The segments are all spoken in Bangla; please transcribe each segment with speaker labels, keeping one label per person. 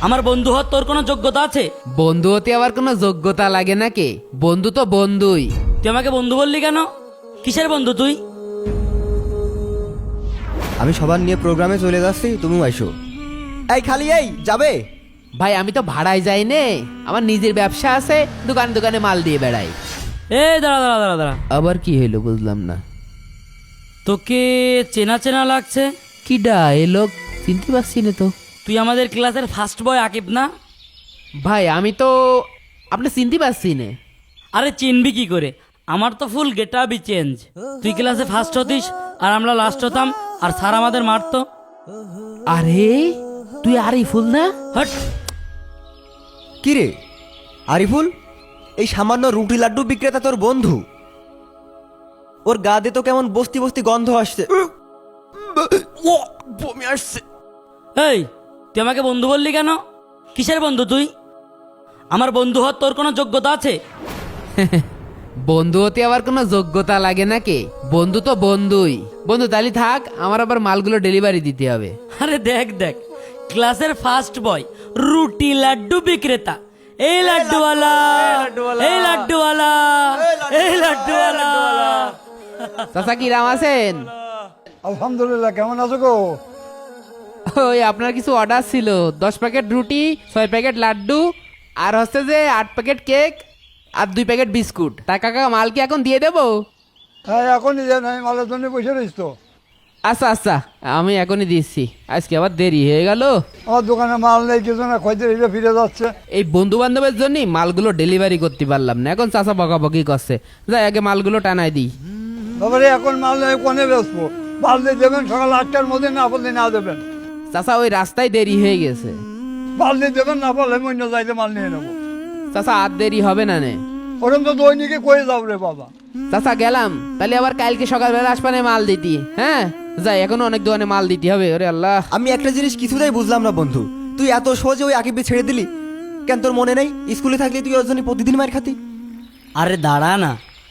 Speaker 1: আমার বন্ধু হওয়ার তোর কোনো যোগ্যতা আছে?
Speaker 2: বন্ধু হতে আবার কোনো যোগ্যতা লাগে নাকি? বন্ধু তো বন্ধুই।
Speaker 1: তুই আমাকে বন্ধু বললি কেন? কিসের বন্ধু তুই?
Speaker 3: আমি সবার নিয়ে প্রোগ্রামে চলে যাচ্ছি, তুমিও আইসো। এই খালি এই যাবে?
Speaker 2: ভাই আমি তো ভাড়ায় যাই নে, আমার নিজের ব্যবসা আছে, দোকানে দোকানে মাল দিয়ে বেড়াই।
Speaker 1: এ দাঁড়া দাঁড়া দাঁড়া দাঁড়া,
Speaker 2: আবার কি হইলো বুঝলাম না।
Speaker 1: তোকে চেনা চেনা লাগছে।
Speaker 2: কিডা এ লোক? চিনতে পারছি না তো।
Speaker 1: তুই আমাদের ক্লাসের ফার্স্ট বয় আকিব না?
Speaker 2: ভাই আমি তো আপনি চিনতে পারছি না।
Speaker 1: আরে চিনবি কি করে, আমার তো ফুল গেট আপই চেঞ্জ। তুই ক্লাসে ফার্স্ট হতিস আর আমরা লাস্ট হতাম, আর স্যার আমাদের মারতো।
Speaker 2: আরে তুই আরিফুল না?
Speaker 1: হট।
Speaker 3: কি রে আরিফুল, এই সামান্য রুটি লাড্ডু বিক্রেতা তোর বন্ধু? ওর গা দিয়ে তো কেমন বস্তি বস্তি গন্ধ আসছে। বমি আসছে।
Speaker 1: এই তুই আমাকে বন্ধু বললি কেন? কিসের বন্ধু তুই? আমার বন্ধু হওয়ার তোর কোনো যোগ্যতা আছে?
Speaker 2: বন্ধু হতে আবার কোনো যোগ্যতা লাগে নাকি? বন্ধু তো বন্ধুই। বন্ধু তাহলে থাক, আমার আবার মালগুলো ডেলিভারি দিতে হবে।
Speaker 1: আরে দেখ দেখ, ক্লাসের ফার্স্ট বয় রুটি লাড্ডু বিক্রেতা। এই লাড্ডুওয়ালা, এই লাড্ডুওয়ালা, এই লাড্ডুওয়ালা।
Speaker 2: চাচা কি রাম আছেন?
Speaker 4: আলহামদুলিল্লাহ, কেমন আছো গো?
Speaker 2: ওই আপনার কিছু অর্ডার ছিল, 10 প্যাকেট রুটি, 6 প্যাকেট লাড্ডু, আর হচ্ছে যে 8 প্যাকেট কেক, আর 2 প্যাকেট বিস্কুট। তা কাকা মাল কি এখন দিয়ে দেবো?
Speaker 4: হ্যাঁ এখনই দেন, আমি মালের জন্য বসে রয়েছি তো।
Speaker 2: আচ্ছা আচ্ছা, আমি এখনই দিচ্ছি। আজকে আবার দেরি হয়ে গেল।
Speaker 4: আমার দোকানে মাল নেই, কিছু না, খোঁজে এসে ফিরে যাচ্ছে।
Speaker 2: এই বন্ধু বান্ধবের জন্যই মালগুলো ডেলিভারি করতে পারলাম না। এখন চাচা বকাবকি করছে, যাই আগে মালগুলো টানাই দিই।
Speaker 4: তারপরে এখন মাল নেই, কোনে বেসবো? মাল দিয়ে দেবেন সকাল 8টার মধ্যে, না বললে না দেবেন।
Speaker 2: চাচা ওই রাস্তায় দেরি হয়ে গেছে।
Speaker 4: মাল দিয়ে দেবেন, না বললে আমি অন্য যাইতে মাল নিয়ে নেবো।
Speaker 2: চাচা আর দেরি হবে না নে।
Speaker 4: ওরকম তো দৈনিকে করে যাও রে বাবা।
Speaker 2: চাচা গেলাম, তাহলে আবার কালকে সকালবেলা আসবানে মাল দিতি। হ্যাঁ যাই, এখনো অনেক দোকানে মাল দিতে হবে। ওরে আল্লাহ,
Speaker 3: আমি একটা জিনিস কিছুতেই বুঝলাম না বন্ধু, তুই এত সহজে ওই আকিবকে ছেড়ে দিলি কেন? তোর মনে নেই স্কুলে থাকলে তুই ওর জন্য প্রতিদিন মার খাতি?
Speaker 1: আরে দাঁড়া না,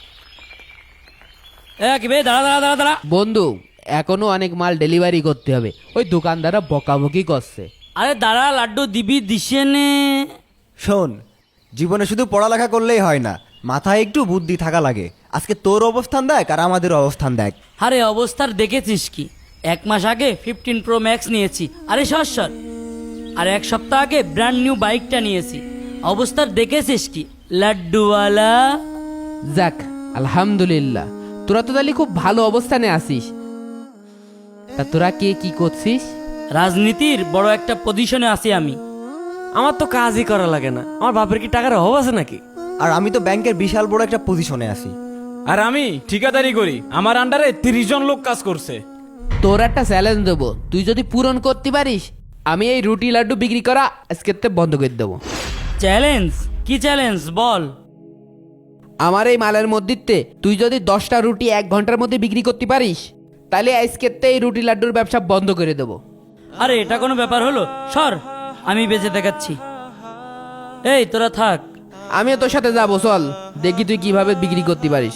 Speaker 1: এ আকিব, এই দাঁড়া দাঁড়া দাঁড়া দাঁড়া।
Speaker 2: বন্ধু এখনো অনেক মাল ডেলিভারি করতে হবে, ওই দোকানদাররা বকাবকি করছে।
Speaker 1: আরে দাঁড়া, লাড্ডু দিবি দিশে নে।
Speaker 3: শোন, জীবনে শুধু পড়ালেখা করলেই হয় না, মাথায় একটু বুদ্ধি থাকা লাগে। আজকে তোর অবস্থান দেখ আর আমাদের অবস্থান দেখ।
Speaker 1: আরে অবস্থার দেখেছিস কি? 1 মাস আগে 15 প্রো ম্যাক্স নিয়েছি। আরে সর সর। আর 1 সপ্তাহ আগে ব্র্যান্ড নিউ বাইকটা নিয়েছি। অবস্থার দেখেছিস কি লাড্ডুওয়ালা?
Speaker 2: যাক আলহামদুলিল্লাহ, তোরা তো তাহলে খুব ভালো অবস্থানে আছিস। তা তোরা কে কি করছিস?
Speaker 1: রাজনীতির বড় একটা পজিশনে আছি আমি।
Speaker 5: আমার তো কাজই করা লাগে না। আমার বাপের কি টাকার অভাব আছে নাকি?
Speaker 3: আর আমি তো ব্যাংকের বিশাল বড় একটা পজিশনে আছি।
Speaker 6: আর আমি ঠিকাদারি করি, আমার আন্ডারে 30 জন লোক কাজ করছে।
Speaker 2: তোর একটা চ্যালেঞ্জ দেবো, তুই যদি পূরণ করতে পারিস আমি এই রুটি লাড্ডু বিক্রি করা আজকে বন্ধ করে দেবো।
Speaker 1: চ্যালেঞ্জ? কি চ্যালেঞ্জ বল?
Speaker 2: আমার এই মালের মধ্যে তুই যদি 10টা রুটি 1 ঘন্টার মধ্যে বিক্রি করতে পারিস, তাহলে আজকে এই রুটি লাড্ডুর ব্যবসা বন্ধ করে দেবো।
Speaker 1: আরে এটা কোনো ব্যাপার হলো? সর, আমি বেঁচে দেখাচ্ছি। এই তোরা থাক,
Speaker 2: আমিও তোর সাথে যাবো, চল দেখি তুই কিভাবে বিক্রি করতে পারিস।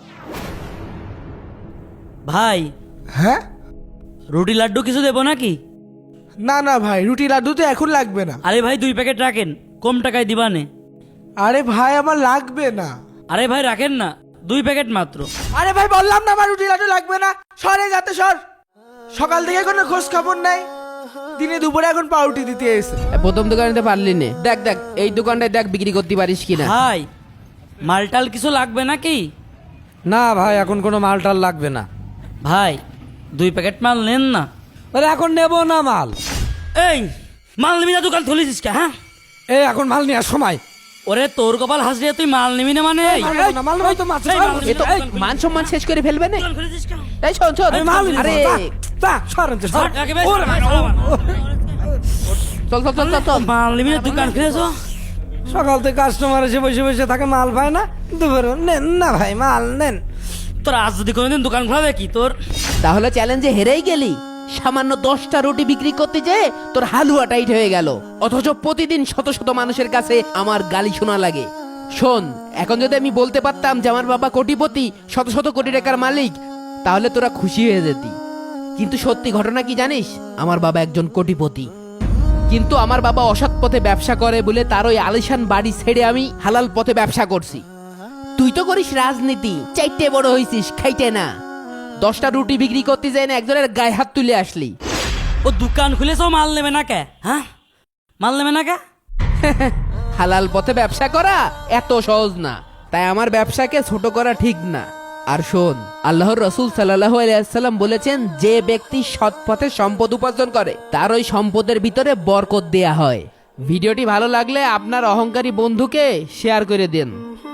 Speaker 1: ভাই
Speaker 7: হ্যাঁ?
Speaker 1: রুটি লাড্ডু কিছু দেবো নাকি?
Speaker 7: না না ভাই, রুটি লাড্ডু তো এখন লাগবে না।
Speaker 1: আরে ভাই 2 প্যাকেট রাখেন, কম টাকায় দিবানে।
Speaker 7: আরে ভাই আমার লাগবে না।
Speaker 1: আরে ভাই রাখেন না, 2 প্যাকেট মাত্র।
Speaker 7: আরে ভাই বললাম না আমার রুটি লাড্ডু লাগবে না। সরে যাতে সর, সকাল থেকে কোনো খোঁজ খবর নাই, দিনে দুপুরে এখন পাউরুটি দিতে এসে।
Speaker 2: প্রথম দোকানে পারলি নে, দেখ দেখ এই দোকানটায় দেখ বিক্রি করতে পারিস কিনা।
Speaker 1: ভাই মালটাল কিছু লাগবে নাকি?
Speaker 5: না ভাই, এখন কোনো মালটাল লাগবে না।
Speaker 1: ভাই 2 প্যাকেট মাল নেন না।
Speaker 5: আরে এখন নেবো না মাল।
Speaker 1: এই মাল নিবি না, দোকান খুলেছিস কে? হ্যাঁ
Speaker 5: এই এখন মাল নেওয়ার সময়।
Speaker 1: ওরে তোর কপাল হাসলে তুই মাল নিবি না মানে? এই,
Speaker 5: মাল নেবো তো মাছ।
Speaker 1: এই, মাল নিবি
Speaker 2: এ তো
Speaker 1: না, দোকান খুলে-
Speaker 2: মান সম্মান শেষ করে ফেলবে না।
Speaker 1: দোকান খুলেছিস কেন?
Speaker 2: এই শোন শোন, আরে
Speaker 1: সর, একেবারে সর,
Speaker 2: চল চল চল চল চল।
Speaker 1: মাল নিবি না, দোকান খুলেছো?
Speaker 5: সকাল থেকে কাস্টমার এসে বসে বসে থাকে, মাল পায় না। দুপুরে নেন না ভাই, মাল নেন।
Speaker 1: তোর আজ যদি কোনোদিন দোকান খোলা দেখি তোর।
Speaker 2: তাহলে চ্যালেঞ্জে হেরেই গেলি। সামান্য 10টা রুটি বিক্রি করতে যেয়ে তোর হালুয়া টাইট হয়ে গেল, অথচ প্রতিদিন শত শত মানুষের কাছে আমার গালি শোনা লাগে। শোন, এখন যদি আমি বলতে পারতাম যে আমার বাবা কোটিপতি, শত শত কোটি টাকার মালিক, তাহলে তোরা খুশি হয়ে যেতি। কিন্তু সত্যি ঘটনা কি জানিস? আমার বাবা একজন কোটিপতি। কিন্তু আমার বাবা অসৎ পথে ব্যবসা করে বলে তার ওই আলিশান বাড়ি ছেড়ে আমি হালাল পথে ব্যবসা করছি। তুই তো করিস রাজনীতি, চাইতে বড় হইছিস, খাইতে না। 10টা রুটি বিক্রি করতে যাই না একজনের গায়ে হাত তুলে আসলি।
Speaker 1: ও দোকান খুলেছো, মাল নেবে না কে? হ্যাঁ, মাল নেবে না কে?
Speaker 2: হালাল পথে ব্যবসা করা এত সহজ না, তাই আমার ব্যবসাকে ছোট করা ঠিক না। আর শোন, আল্লাহর রসুল সাল্লাল্লাহু আলাইহি ওয়াসাল্লাম বলেছেন, যে ব্যক্তি সৎ পথে সম্পদ উপার্জন করে তার ওই সম্পদের ভিতরে বরকত দেয়া হয়। ভিডিওটি ভালো লাগলে আপনার অহংকারী বন্ধুকে শেয়ার করে দেন।